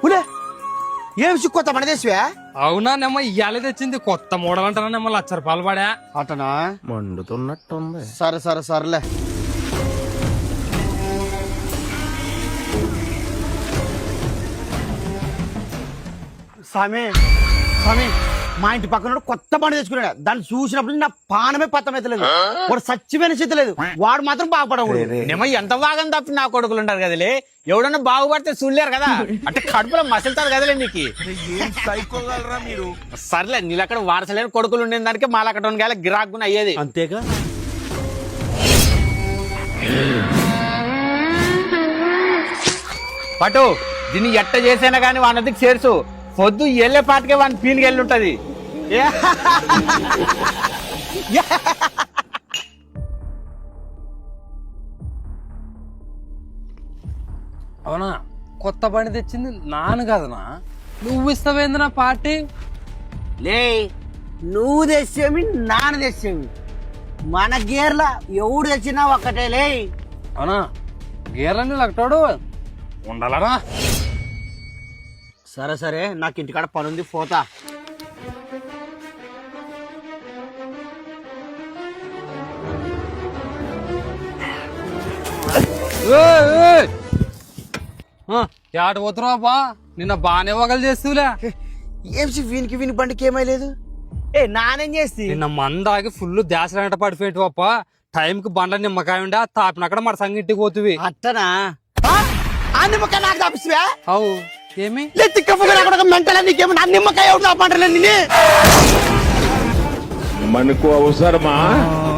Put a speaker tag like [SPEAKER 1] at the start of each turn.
[SPEAKER 1] ఏం కొత్త మన దేశవే?
[SPEAKER 2] అవునా నెమ్మ ఇయ్యాలే తెచ్చింది కొత్త మోడల్ అంటారా నెమ్మ 1,00,000 రూపాయలు పడా.
[SPEAKER 1] అటనా?
[SPEAKER 3] మండుతున్నట్టుంది.
[SPEAKER 1] సరేలే. స్వామి మా ఇంటి పక్కన కొత్త బండి తెచ్చుకున్నాడు. దాన్ని చూసినప్పుడు నా పానమే పత్తమైతలేదు. వాడు సచ్చిపోయిన స్థితి లేదు. వాడు మాత్రం బాగుపడకూడదు.
[SPEAKER 4] నిమ్మ ఎంత బాగా తప్పి నా కొడుకులు ఉంటారు కదలే. ఎవడన్నా బాగుపడితే చూడలేరు కదా, అంటే కడుపులో మసలుతారు కదలే నీకు.
[SPEAKER 3] సైకోగలరా మీరు?
[SPEAKER 4] సర్లే నీళ్ళక్కడ వారసలేని కొడుకులు ఉండే దానికి మాలకటోని గాలి గిరాకుని అయ్యేది
[SPEAKER 1] అంతేగా.
[SPEAKER 4] పటు దీన్ని ఎట్ట చేసైనా గానీ వానదికి చేర్చు. పొద్దు ఎల్లే పాటికే వాని పీలికి వెళ్ళుంటది.
[SPEAKER 2] అవునా కొత్త బండి తెచ్చింది నాన్న కదనా, నువ్వు ఇస్తావేంది పార్టీ?
[SPEAKER 1] లే నువ్వు తెచ్చేమి నాన్న తెచ్చేమి మన గేర్ల ఎవడు తెచ్చినా ఒక్కటే లే.
[SPEAKER 2] అవునా గేర్లని లక్కటాడు ఉండాలనా?
[SPEAKER 1] సరే నాకు ఇంటికాడ పనుంది పోతా.
[SPEAKER 2] యాడ పోతున్నావా బా? నిన్న బానే వగలు చేస్తూలే.
[SPEAKER 1] ఏమిసి వీనికి బండికి ఏమైలేదు. నానేం చేస్తి?
[SPEAKER 2] నిన్న మందాగి ఫుల్ దాసరంట పడిపోయేటి పప్ప. టైంకి బండ్ల నిమ్మకాయ ఉండే తాపినక్కడ మన సంగటికి పోతువి.
[SPEAKER 1] అట్టనా? ఆ నిమ్మకాయ నాకు తాపిస్తువా?
[SPEAKER 2] అవు ఏమి
[SPEAKER 1] మెంటల్ నీకేమో నా నిమ్మకాయ ఎవరు తాపంటారు?
[SPEAKER 3] మనకు అవసరమా?